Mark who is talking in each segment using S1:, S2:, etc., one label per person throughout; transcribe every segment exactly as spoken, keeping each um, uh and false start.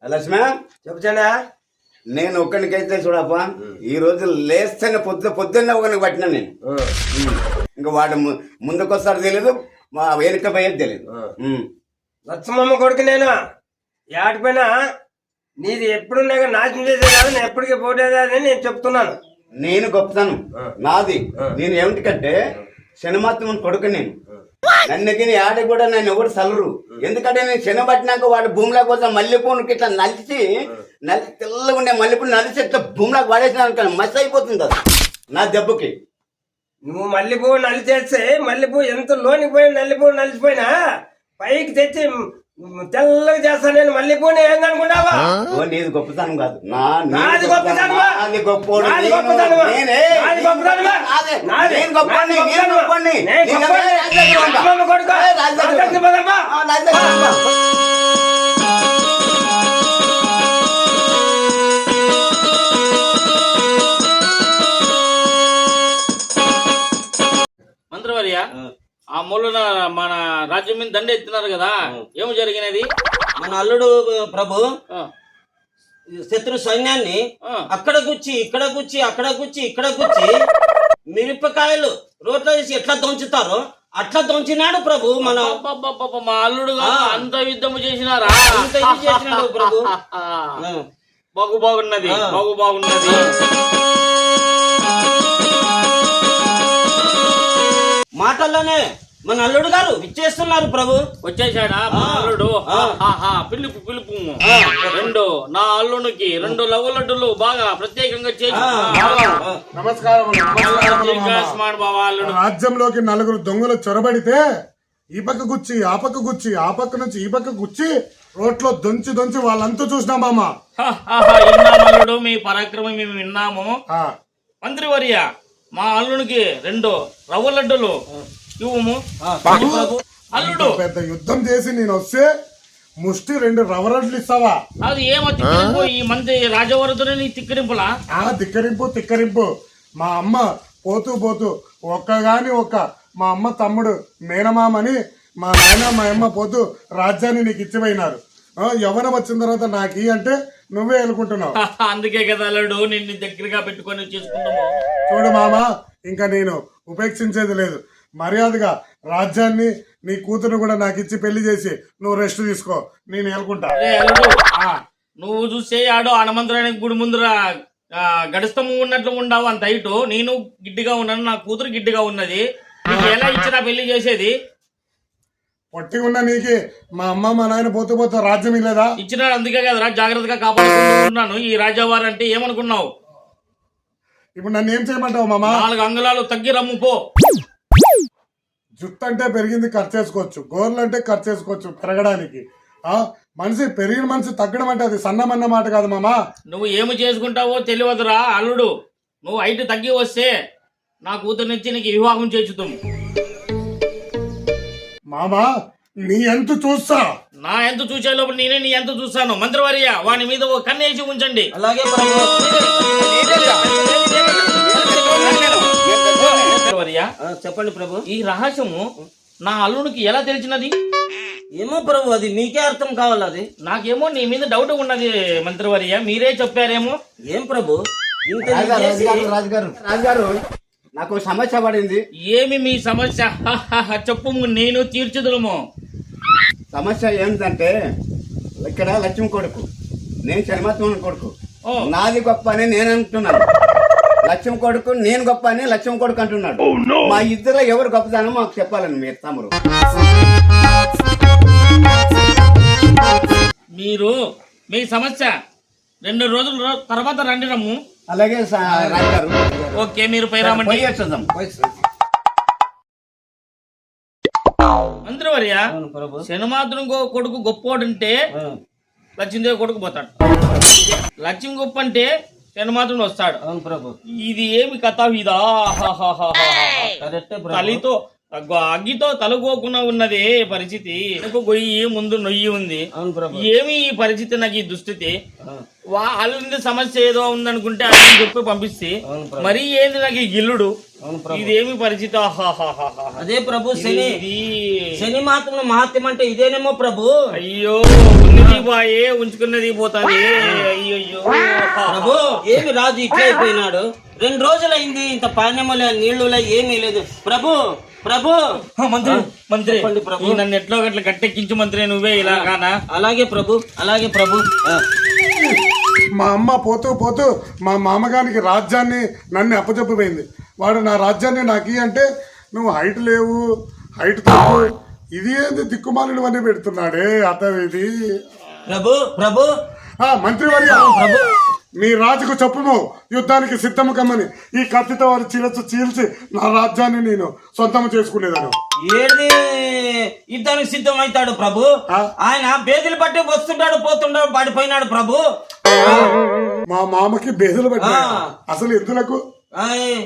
S1: లక్ష్మ
S2: చెప్తానా
S1: నేను ఒక్కనికైతే చూడప్ప ఈ రోజు లేస్తేనే పొద్దు పొద్దున్న ఒకరికి పట్టినా నేను ఇంకా వాడు ముందుకొస్తాడు తెలియదు మా వెనుక పోయేది తెలియదు.
S2: లచ్చమ్మ కొడుకు నేను ఏటిపోయినా నీది ఎప్పుడున్నా నాశనం చేసే కాదు నేను ఎప్పటికీ పోటేది అని నేను చెప్తున్నాను.
S1: నేను గొప్పతాను నాది. నేను ఏమిటికంటే శనమాత్మని కొడుకు నేను. నన్నకి ఆడ కూడా నన్ను ఎవరు సలరు. ఎందుకంటే నేను శన పట్టినాక వాడు భూమిలోకి కోసం మల్లెపూనికి ఇట్లా నలిచి నలిచి తెల్లగా ఉండే మల్లెపూలు నలిచి ఇట్లా భూమిలోకి పడేసిన మస్తు అయిపోతుంది అది నా దెబ్బకి.
S2: నువ్వు మల్లెపువ్వు నలిచేస్తే మల్లెపువ్వు ఎంత లోనికి పోయి నల్లిపువ్వు నలిచిపోయినా పైకి తెచ్చి తెల్లగా చేస్తా నేను మల్లెపువ్వుని ఏందనుకుంటావా?
S1: నీది గొప్పతనం కాదు
S2: నాది గొప్పతనమా?
S1: నాది గొప్పోడు
S2: నాది గొప్పతనమా? నాది గొప్పతనమా? నాది గొప్పని నేను గొప్పని నేను గొప్పని కొడుకు రాజకీయ పదమ్మా.
S3: మంత్రివర్య ఆ మూలన మన రాజ్యం మీద దండ ఎత్తున్నారు కదా, ఏమి జరిగినది?
S4: మన అల్లుడు ప్రభు శత్రు సైన్యాన్ని అక్కడ గుచ్చి ఇక్కడ గుచ్చి అక్కడ గుచ్చి ఇక్కడ గుచ్చి మిరపకాయలు రోడ్లో వేసి ఎట్లా దొంచుతారో అట్లా దొంచినాడు ప్రభు. మన
S3: మా అల్లుడు అంత యుద్ధము చేసినారా?
S4: అంత ఇది చేసినాడు ప్రభు.
S3: బాగు బాగున్నది బాగు బాగున్నది
S4: మాటల్లోనే మన అల్లుడు గారు ఇచ్చేస్తున్నారు ప్రభు.
S3: వచ్చేసాడా మా అల్లుడు? పిలుపు పిలుపు రెండు నా అల్లునికి రెండు లవ్వు లడ్డులు బాగా ప్రత్యేకంగా చేసి
S5: నమస్కారం.
S3: రాజ్యంలోకి
S5: నలుగురు దొంగలు చొరబడితే ఈ పక్క గుచ్చి ఆ పక్క గుచ్చి ఆ పక్క నుంచి ఈ పక్క గుచ్చి రోడ్లో దొంచి దొంచి వాళ్ళంతా చూసినాం మామ.
S3: విన్నామల్లుడు, మీ పరాక్రమం మేము విన్నాము. మంత్రివర్య మా అల్లునికి రెండు రవ్వ లడ్డులు ఇవ్వము. అల్లుడు
S5: పెద్ద యుద్ధం చేసి నేను వస్తే ముష్టి రెండు రవ్వ లడ్డులు ఇస్తావా?
S3: అది ఏమో తిక్కరింపు, ఈ మంత్రి రాజవరదుని తిక్కరింపులా?
S5: ఆ తిక్కరింపు తిక్కరింపు. మా అమ్మ పోతూ పోతూ ఒక్కగాని ఒక్క మా అమ్మ తమ్ముడు మేనమామని మా నాయన మా అమ్మ పోతూ రాజ్యాన్ని నీకు ఇచ్చిపోయినారు. యవ్వనం వచ్చిన తర్వాత నాకు అంటే నువ్వే అనుకుంటున్నావు.
S3: అందుకే కదా అల్లుడు నిన్ను దగ్గరగా పెట్టుకొని చేసుకుంటాము.
S5: చూడు మామ, ఇంకా నేను ఉపేక్షించేది లేదు. మర్యాదగా రాజ్యాన్ని నీ కూతురు కూడా నాకు ఇచ్చి పెళ్లి చేసి నువ్వు రెస్ట్ తీసుకో, నేను ఏలుకుంటా.
S3: నువ్వు చూసే ఆడో హనుమంతురానికి గుడి ముందర గడిస్తము ఉన్నట్లు ఉండవు అంత హైటు. నేను గిడ్డిగా ఉన్నాను, నా కూతురు గిడ్డిగా ఉన్నది. నీకు ఎలా ఇచ్చినా పెళ్లి చేసేది?
S5: పొట్టి ఉన్న నీకి మా అమ్మ మా నాయన పోతూ పోతూ రాజ్యం ఇల్లేదా?
S3: ఇచ్చినాడు, అందుకే కదరా జాగ్రత్తగా కాపాడుకుంటున్నాను. ఈ రాజావారు అంటే ఏమనుకున్నావు?
S5: ఇప్పుడు నన్ను ఏం చేయమంటావు మామ?
S3: నాలుగు అంగుళాలు తగ్గి రమ్ము పో.
S5: జుట్టు అంటే పెరిగింది ఖర్చు చేసుకోవచ్చు, గోర్లు అంటే ఖర్చు చేసుకోవచ్చు పెరగడానికి. ఆ మనిషి పెరిగిన మనిషి తగ్గడం అంటే అది సన్నమన్న మాట కాదు మామ.
S3: నువ్వు ఏమి చేసుకుంటావో తెలియదురా అల్లుడు. నువ్వు హైట్ తగ్గి వస్తే నా కూతురు నుంచి నీకు వివాహం చేర్చుతాము.
S5: మామా నీ ఎంత చూస్తా?
S3: నా ఎంత చూసే లోపల నేనే నీ ఎంత చూస్తాను. మంత్రివర్య వాని మీద ఓ కన్నేసి ఉంచండి.
S4: అలాగే చెప్పండి ప్రభు.
S3: ఈ రహస్యము నా అల్లునికి ఎలా తెలిసినది?
S4: ఏమో ప్రభు, అది మీకే అర్థం కావాలి. అది
S3: నాకేమో నీ మీద డౌట్ ఉన్నది మంత్రివర్య, మీరే చెప్పారేమో.
S4: ఏం ప్రభు?
S1: రాజుగారు రాజుగారు నాకు సమస్య పడింది.
S3: ఏమి మీ సమస్య? చెప్పు, నేను తీర్చుదులము.
S1: సమస్య ఏంటంటే ఇక్కడ లక్ష్మి కొడుకు, నేను శర్మత్వం కొడుకు. నాది గొప్ప అని నేను అంటున్నాను, లక్ష్మి కొడుకు నేను గొప్ప అని లక్ష్మి కొడుకు అంటున్నాడు. మా ఇద్దరు ఎవరు గొప్పదానో మాకు చెప్పాలని మీరు తమరు.
S3: మీరు మీ సమస్య రెండు రోజుల తర్వాత రండి రమ్ము.
S1: అలాగే రాజుగారు.
S3: ఓకే, మీరు పై రామండి. మంత్రివర్య శనిమాత్రం కొడుకు గొప్పోడంటే లక్ష్మీదేవి కొడుకు పోతాడు. లక్ష్మి గొప్ప అంటే శనిమాత్రం వస్తాడు.
S4: అవును ప్రభు.
S3: ఇది ఏమి కథ ఇదా? తల్లితో అగ్గో అగ్గితో తలుకోకుండా ఉన్నది పరిస్థితి. నాకు గొయ్యి ముందు నొయ్యి ఉంది.
S4: అవును ప్రభు.
S3: ఏమి ఈ పరిస్థితి, నాకు ఈ దుస్థితి. వాళ్ళ సమస్య ఏదో ఉందనుకుంటే అని చెప్పి పంపిస్తే మరి ఏంది నాకు ఈ గిల్లుడు, ఇదేమి పరిస్థితి. ఆహాహాహాహా.
S4: అదే ప్రభు శని శని మాత్రం మహాత్యం అంటే ఇదేనేమో ప్రభు.
S3: అయ్యో ఉన్నది బాయే ఉంచుకున్నది పోతాది. అయ్యో
S4: ప్రభు ఏమి రాజు ఇట్లా అయిపోయినాడు? రెండు రోజులైంది, ఇంత పానీయములే నీళ్లులే ఏమీ లేదు ప్రభు. ప్రభు
S3: మంత్రి మంత్రి
S4: చెప్పండి ప్రభు.
S3: ఈ నన్ను ఎట్లో గట్ల గట్టెక్కించు మంత్రి, నువ్వే ఇలా కానా?
S4: అలాగే ప్రభు, అలాగే ప్రభు. ఆ.
S5: మా అమ్మ పోతూ పోతూ మా మామగారికి రాజ్యాన్ని నన్ను అప్పచెప్పిపోయింది. వాడు నా రాజ్యాన్ని నాకు ఇయ్యి అంటే నువ్వు హైట్ లేవు, హైట్ తక్కువ, ఇది ఏంది దిక్కుమాలిన అన్నీ పెడుతున్నాడే అతను ఇది.
S4: ప్రభు ప్రభు
S5: ఆ మంత్రి వర్య, మీ రాజుకు చెప్పుము యుద్ధానికి సిద్ధము కమ్మని. ఈ కత్తితో వారు చీల్చి చీల్చి నా రాజ్యాన్ని నేను సొంతం చేసుకునేదాను.
S4: ఏది యుద్ధానికి సిద్ధం అవుతాడు ప్రభు?
S5: ఆ?
S4: ఆయన బేదిలు బట్టి వస్తుంటాడు పోతుంటాడు పడిపోయినాడు ప్రభు.
S5: మా మామకి బేదలు పట్టి
S4: ఆ.
S5: అసలు ఎందులకు
S4: ఆయ్.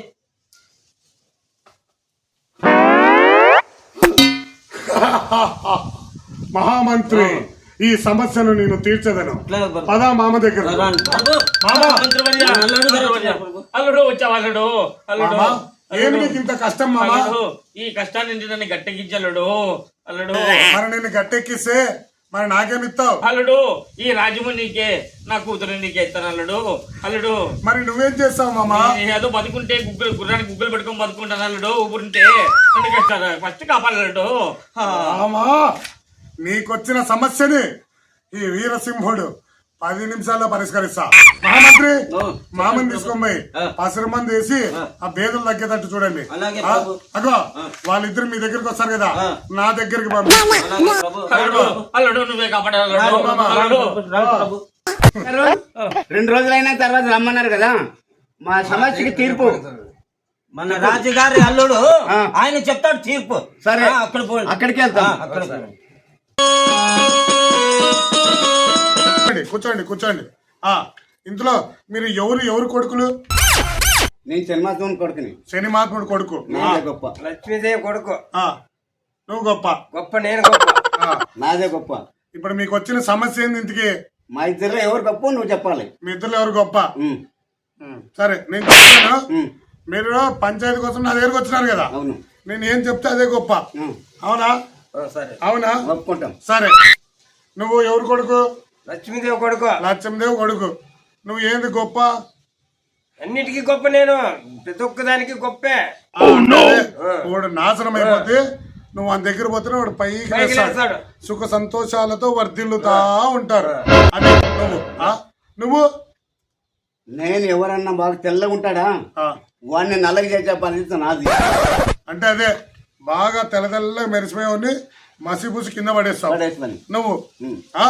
S5: మహామంత్రి, ఈ సమస్యను నేను తీర్చదను.
S4: అట్లా ప్రభు.
S5: పదా మామ దగ్గర.
S4: రాను. ప్రభు
S5: మామ,
S3: మంత్రివర్య,
S4: అల్లుడు గారు
S3: మంత్రివర్య. అల్లుడు వచ్చావు అల్లుడు. అల్లుడు
S5: మామ, ఏమి నీకు ఇంత కష్టం మామ?
S3: అల్లుడు, ఈ కష్టాన్ని నుంచి నన్ను గట్టెక్కించల్లుడు. అల్లుడు
S5: మరి నేను గట్టెక్కిస్తే మరి నాకేమిస్తావు?
S3: అల్లుడు, ఈ రాజ్యము నీకే, నా కూతురు నీకే ఇస్తాను అల్లుడు. అల్లుడు
S5: మరి నువ్వేం చేస్తావు మామ?
S3: నేను ఏదో బతుకుంటే గుగ్గులు గుర్రానికి గుగ్గులు పెట్టుకొని బతుకుంటాను అల్లుడు. ఊపుంటే నన్ను కష్టాలు ఫస్ట్ కాపాడు.
S5: మామా, నీకొచ్చిన సమస్యని ఈ వీరసింహుడు పది నిమిషాల్లో పరిష్కరిస్తా. మహామంత్రి, మామని తీసుకొని పసరు మంది వేసి ఆ బేదలు తగ్గేటట్టు చూడండి.
S4: అలాగే
S5: ఆ,
S4: ప్రభు.
S5: అగో వాళ్ళిద్దరు మీ దగ్గరికి వస్తారు కదా, నా దగ్గరికి పంపి.
S4: అలాగే ప్రభు.
S3: అల్లుడు అల్లుడు నువ్వే కాపాడు అల్లుడు. అల్లుడు
S4: రాను ప్రభు.
S1: రెండు రోజులైన తర్వాత రమ్మన్నారు కదా, మా సమస్యకి తీర్పు.
S4: మన రాజుగారి అల్లుడు
S1: ఆ.
S4: ఆయన చెప్తాడు తీర్పు.
S1: సరే,
S4: ఆ, అక్కడ పోండి.
S1: అక్కడికి వెళ్తాం.
S4: ఆ, అక్కడ పోండి.
S5: కూర్చోండి, కూర్చోండి కూర్చోండి. ఆ ఇందులో మీరు ఎవరు ఎవరు కొడుకులు?
S1: నేను జన్మాత్మని కొడుకుని,
S5: శని మహాత్ముడు కొడుకు.
S1: నాదే గొప్ప.
S2: లక్ష్మీదేవి కొడుకు.
S5: ఆ నువ్వు గొప్ప.
S2: గొప్ప నేను గొప్ప.
S5: ఆ,
S1: నాదే గొప్ప.
S5: ఇప్పుడు మీకు వచ్చిన సమస్య ఏంది ఇంతకి?
S1: మా ఇద్దరు ఎవరు గొప్ప నువ్వు చెప్పాలి.
S5: మీ ఇద్దరు ఎవరు గొప్ప?
S1: ఉమ్,
S5: ఉమ్, సరే నేను చెప్తాను.
S1: ఉమ్,
S5: మీరు పంచాయతీ కోసం నా దగ్గరకు వచ్చినారు కదా,
S1: అవును.
S5: నేను ఏం చెప్తే అదే గొప్ప.
S1: ఉమ్,
S5: అవునా?
S2: ఆ, సరే.
S5: అవునా?
S1: ఒప్పుకుంటాం.
S5: సరే, నువ్వు ఎవరు కొడుకు?
S2: లక్ష్మీదేవి కొడుకు.
S5: లక్ష్మీదేవి కొడుకు. నువ్వు ఏంది గొప్ప?
S2: అన్నిటికీ గొప్ప నేను, ప్రతి ఒక్కదానికి గొప్పే.
S5: ఆ, అంటే వాడు నాశనం అయిపోతే నువ్వు వాని దగ్గర పోతే వాడు పైకి
S2: పైకి
S5: లేస్తాడు.
S2: లేస్తాడు.
S5: సుఖ సంతోషాలతో వర్ధిల్లుతా ఉంటారు. అది నువ్వు. ఆ, నువ్వు
S1: నేను ఎవరన్నా బాగా తెల్లగా ఉంటాడా
S5: ఆ,
S1: వాడిని నల్లగా చేసే పరిస్థితి నాది.
S5: అంటే అదే బాగా తెల్ల తెల్లగా మెరిసిపోయి మసిపూసి కింద పడేస్తావు
S1: పడేస్తాను.
S5: నువ్వు.
S1: ఉమ్,
S5: ఆ?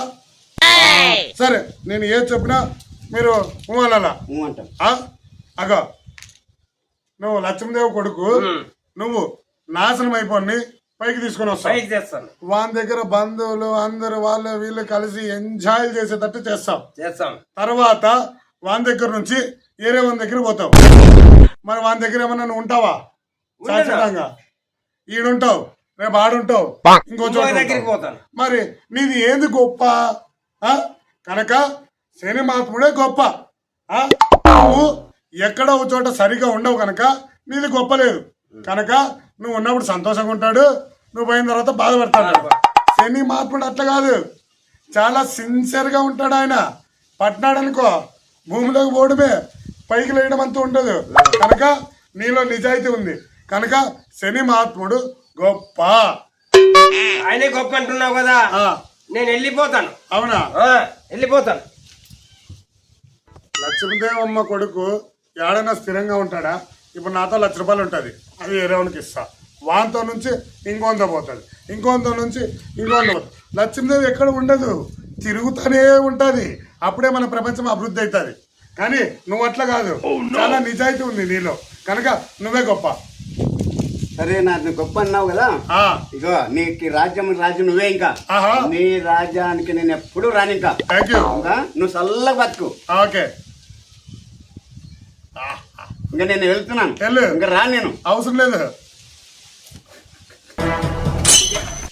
S5: సరే, నేను ఏం చెప్పినా మీరు ఊహలలా.
S1: ఉమ్ అంటాం.
S5: అగో నువ్వు లక్ష్మీదేవి కొడుకు, నువ్వు నాశనం అయిపోయి పైకి తీసుకొని వస్తావు.
S2: పైకి తెస్తాను.
S5: వాని దగ్గర బంధువులు అందరు వాళ్ళు వీళ్ళు కలిసి ఎంజాయ్ చేసేటట్టు చేస్తావు.
S2: చేస్తాం.
S5: తర్వాత వాని దగ్గర నుంచి ఏరే వాని దగ్గర పోతావు. మరి వాని దగ్గర ఏమన్నా నువ్వు ఉంటావా? శాశ్వతంగా ఈడుంటావు, రేపు ఆడుంటావు, ఇంకో చోట
S2: ఇంకో దగ్గరికి
S5: ఉంటావు.
S2: పోతాను.
S5: మరి నీది ఏంది గొప్ప? ఆ? కనుక శని మహాత్ముడే గొప్ప. ఆ? నువ్వు ఎక్కడో ఒక చోట సరిగా ఉండవు కనుక నీది గొప్ప లేదు. కనుక నువ్వు ఉన్నప్పుడు సంతోషంగా ఉంటాడు, నువ్వు పోయిన తర్వాత బాధపడతాడు. శని మహాత్ముడు అట్లా కాదు, చాలా సిన్సియర్ గా ఉంటాడు. ఆయన పట్టినాడు అనుకో భూమిలోకి పోవడమే, పైకి లేయడం అంతా ఉండదు. కనుక నీలో నిజాయితీ ఉంది కనుక శని మహాత్ముడు గొప్ప.
S2: ఆయనే గొప్ప అంటున్నావు కదా,
S5: ఆ,
S2: నేను వెళ్ళిపోతాను.
S5: అవునా?
S2: ఆ, వెళ్ళిపోతాను.
S5: లక్ష్మీదేవమ్మ కొడుకు ఏడైనా స్థిరంగా ఉంటాడా? ఇప్పుడు నాతో లక్ష రూపాయలు ఉంటుంది, అది వేరేవానికి ఇస్తా. వాంతో నుంచి ఇంకొంత పోతుంది, ఇంకొంత నుంచి ఇంకొంత పోతుంది. లక్ష్మీదేవి ఎక్కడ ఉండదు, తిరుగుతూనే ఉంటుంది. అప్పుడే మన ప్రపంచం అభివృద్ధి అవుతుంది. కానీ నువ్వు అట్లా కాదు, చాలా నిజాయితీ ఉంది నీలో కనుక నువ్వే గొప్ప.
S1: సరే, నాకు గొప్ప అన్నావు కదా,
S5: ఆ,
S1: ఇగో నీకు రాజ్యం రాజు నువ్వే. ఇంకా
S5: ఆహా.
S1: నీ రాజ్యానికి నేను ఎప్పుడు రాను. ఇంకా
S5: థ్యాంక్ యూ.
S1: ఇంకా నువ్వు చల్లగా బతుకు.
S5: ఓకే,
S1: ఇంకా నేను వెళ్తున్నాను.
S5: వెళ్ళు.
S1: ఇంకా రాను నేను.
S5: అవసరం లేదు.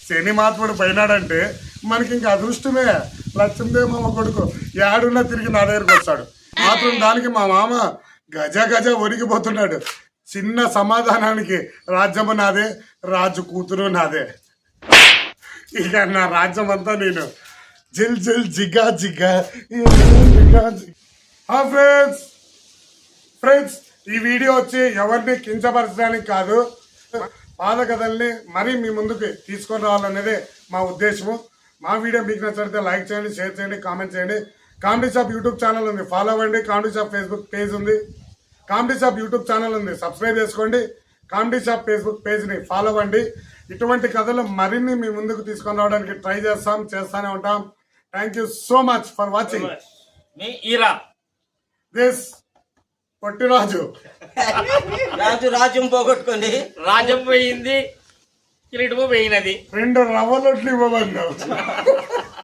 S5: శని మహాత్ముడు పోయినాడంటే మనకి ఇంకా అదృష్టమే. లక్ష్మీదేవి మామ కొడుకు ఏడున్నా తిరిగి నా దగ్గరకు వస్తాడు. మాత్రం దానికి మా మామ గజ గజ ఒరిగిపోతున్నాడు. చిన్న సమాధానానికి రాజ్యము నాదే, రాజు కూతురు నాదే. ఇక నా రాజ్యం అంతా నేను జిల్ జిల్ జిగ్గా జిగ్గా జిగ్గా జిగ్గా. ఫ్రెండ్స్ ఫ్రెండ్స్ ఈ వీడియో వచ్చి ఎవరిని కించపరచడానికి కాదు, పాత కథల్ని మరీ మీ ముందుకు తీసుకొని రావాలనేది మా ఉద్దేశము. మా వీడియో మీకు నచ్చితే లైక్ చేయండి, షేర్ చేయండి, కామెంట్ చేయండి. కామెడీ షాప్ యూట్యూబ్ ఛానల్ ఉంది, ఫాలో అవ్వండి. కామెడీ షాప్ ఫేస్బుక్ పేజ్ ఉంది, కామెడీ షాప్ యూట్యూబ్ ఛానల్ ఉంది, సబ్స్క్రైబ్ చేసుకోండి. కామెడీ షాప్ ఫేస్బుక్ పేజ్ని ఫాలో అవ్వండి. ఇటువంటి కథలు మరిన్ని మీ ముందుకు తీసుకొని రావడానికి ట్రై చేస్తాం, చేస్తూనే ఉంటాం. Thank you so much for watching
S3: మీ ఈరా
S5: దిస్ పొట్టిరాజు.
S4: రాజు రాజ్యం పోగొట్టుకొని
S3: రాజ్యం పోయింది, కిరీటము పోయినది.
S5: రెండు రవ్వలొట్లు ఇవ్వమన్నావు.